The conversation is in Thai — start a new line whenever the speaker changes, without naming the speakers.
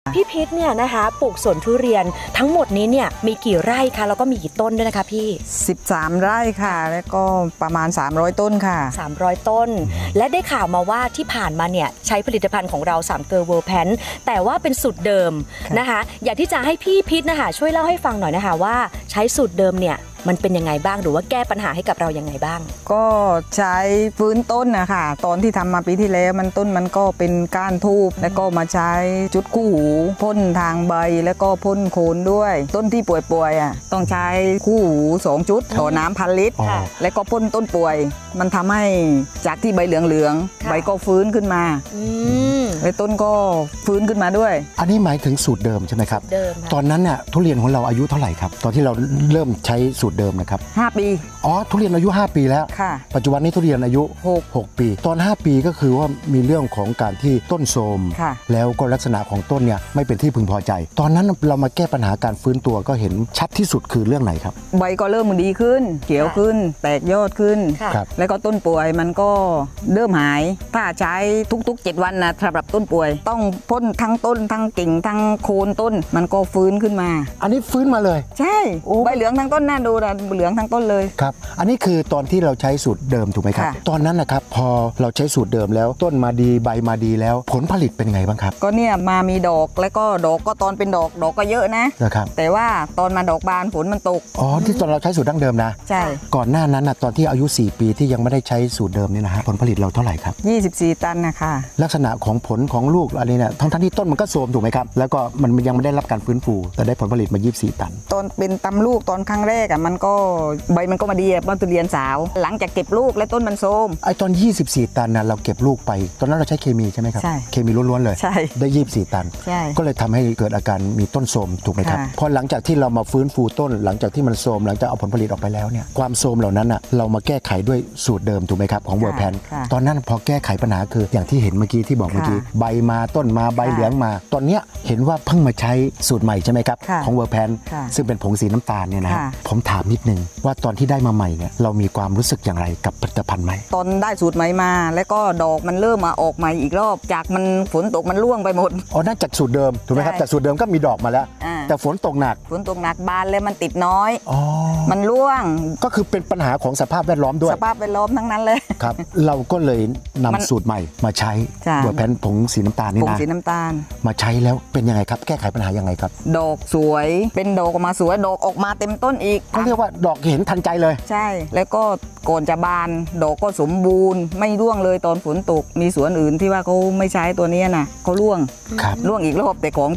พี่พิษเนี่ยนะคะปลูกสวนทุเรียนทั้งหมดนี้เนี่ยมีกี่ไร่คะแล้วก็มีกี่ต้นด้วยนะคะพี่
13 ไร่ค่ะแล้วก็ประมาณ300 ต้นค่ะ
300 ต้นและได้ข่าวมาว่าที่ผ่านมาเนี่ยใช้ผลิตภัณฑ์ของเรา3 เกลอเวอร์แพนแต่ว่าเป็นสูตรเดิมนะคะอยากที่จะให้พี่พิษนะคะช่วยเล่าให้ฟังหน่อยนะคะว่าใช้สูตรเดิมเนี่ยมันเป็นยังไงบ้างหรือว่าแก้ปัญหาให้กับเรายังไงบ้าง
ก็ใช้ฟื้นต้นนะคะตอนที่ทำมาปีที่แล้วมันก็เป็นก้านทูบแล้วก็มาใช้จุดคู่หูพ่นทางใบแล้วก็พ่นโคนด้วยต้นที่ป่วยๆต้องใช้คู่หู2 จุดต่อน้ำ1,000 ลิตรแล้วก็พ่นต้นป่วยมันทำให้จากที่ใบเหลืองๆใบก็ฟื้นขึ้นมาแล้วต้นก็ฟื้นขึ้นมาด้วย
อันนี้หมายถึงสูตรเดิมใช่ไหมครับตอนนั้นเนี่ยทุเรียนของเราอายุเท่าไหร่ครับตอนที่เราเริ่มใช้สูตรเดิมนะครับ
5 ปี
อ๋อทุเรียนอายุ5 ปีแล้วปัจจุบันนี้ทุเรียนอายุ6 ปีตอน5 ปีก็คือว่ามีเรื่องของการที่ต้นโทรมแล้วก็ลักษณะของต้นเนี่ยไม่เป็นที่พึงพอใจตอนนั้นเรามาแก้ปัญหาการฟื้นตัวก็เห็นชัดที่สุดคือเรื่องไหนครับ
ใบก็เริ่มดีขึ้นเขียวขึ้นแตกยอดขึ้นแล้วก็ต้นป่วยมันก็เริ่มหายถ้าใช้ทุกๆ7 วันนะสำหรับต้นป่วยต้องพ่นทั้งต้นทั้งกิ่งทั้งโคนต้นมันก็ฟื้นขึ้นมา
อันนี้ฟื้นมาเลย
ใช่ใบเหลืองทั้งต้นน่าดูนะเหลืองทั้งต้นเลย
ครับอันนี้คือตอนที่เราใช้สูตรเดิมถูกไหมครับตอนนั้นนะครับพอเราใช้สูตรเดิมแล้วต้นมาดีใบมาดีแล้วผลผลิตเป็นไงบ้างครับ
ก็เนี่ยมามีดอกแล้วก็ดอกก็ตอนเป็นดอกก็เยอะ
นะครับ
แต่ว่าตอนมาดอกบานฝนมันตก
อ๋อที่ตอนเราใช้สูตรดั้งเดิมนะ
ใช่
ก่อนหน้านั้นนะตอนที่อายุ4 ปีที่ยังไม่ได้ใช้สูตรเดิมนี่นะฮะผลผลิตเราเท่าไหร่ครับ
24 ตันนะคะ
ลักษณะของผลของลูกอะไรเนี่ยทั้งที่ต้นมันก็โทรมถูกไหมครับแล้วก็มันยังไม่ได้รับการฟื้นฟูแต่ได้ผลผลิตมา24 ตัน
ตอนเป็นตำลูกตอนครั้งแรกมันก็ใบมันก็มาดีบ้านทุเรียนสาวหลังจากเก็บลูกและต้นมันโทรม
ไอตอน24 ตันนะเราเก็บลูกไปตอนนั้นเราใช้เคมีใช่ไหมครับ
ใช่
เคมีล้วนๆเลย
ใช่
ได้24 ตัน
ใช่
ก็เลยทำให้เกิดอาการมีต้นโทรมถูกไหมครับพอหลังจากที่เรามาฟื้นฟูต้นหลังจากที่มันโทรมหลังจากเอาผลผลิตออกไปแล้วเนี่ยความโทรมเหล่านั้นเรามาแก้ไขด้วยสูตรเดิมถูกไหมครับของเวอร์แพนตอนนั้นพอแก้ไขปัญหาคืออย่างที่เห็นเมื่อกี้ที่บอกเมื่อกี้ใบมาต้นมาใบเหลืองมาตอนเนี้ยเห็นว่าเพิ่งมาใช้สูตรใหม่ใช่ไหมครับของเวอร์แพนซึ่งเป็นผงสีน้ำตาลเนี่ยนะผมถามนิดนึงว่าตอนที่ได้มาใหม่เนี่ยเรามีความรู้สึกอย่างไรกับผลิตภัณฑ์ใหม่
ตอนได้สูตรใหม่มาแล้วก็ดอกมันเริ่มมาออกใหม่อีกรอบจากมันฝนตกมันร่วงไปหมด
อ๋อนั่นจากสูตรเดิมถูกไหมครับจากสูตรเดิมก็มีดอกมาแล้วแต่ฝนตกหนัก
บานเลยมันติดน้อยมันร่วง
ก็คือเป็นปัญหาของสภาพแวดล้อมด้วย
สภาพแวดล้อมทั้งนั้นเลย
ครับเราก็เลยนำสูตรใหม่มาใช้เวอร์แพนผงสีน้ำตาลนี่นะ
ผงสีน้ำตาล
มาใช้แล้วเป็นยังไงครับแก้ไขปัญหายังไงครับ
ดอกสวยเป็นดอกออกมาสวยดอกออกมาเต็มต้นอีก
เขาเรียกว่าดอกเห็นทันใจเลย
ใช่แล้วก็ก่อนจะบานดอกก็สมบูรณ์ไม่ร่วงเลยตอนฝนตกมีสวนอื่นที่ว่าเขาไม่ใช้ตัวนี้นะเขาร่วงอีกรอบแต่ของ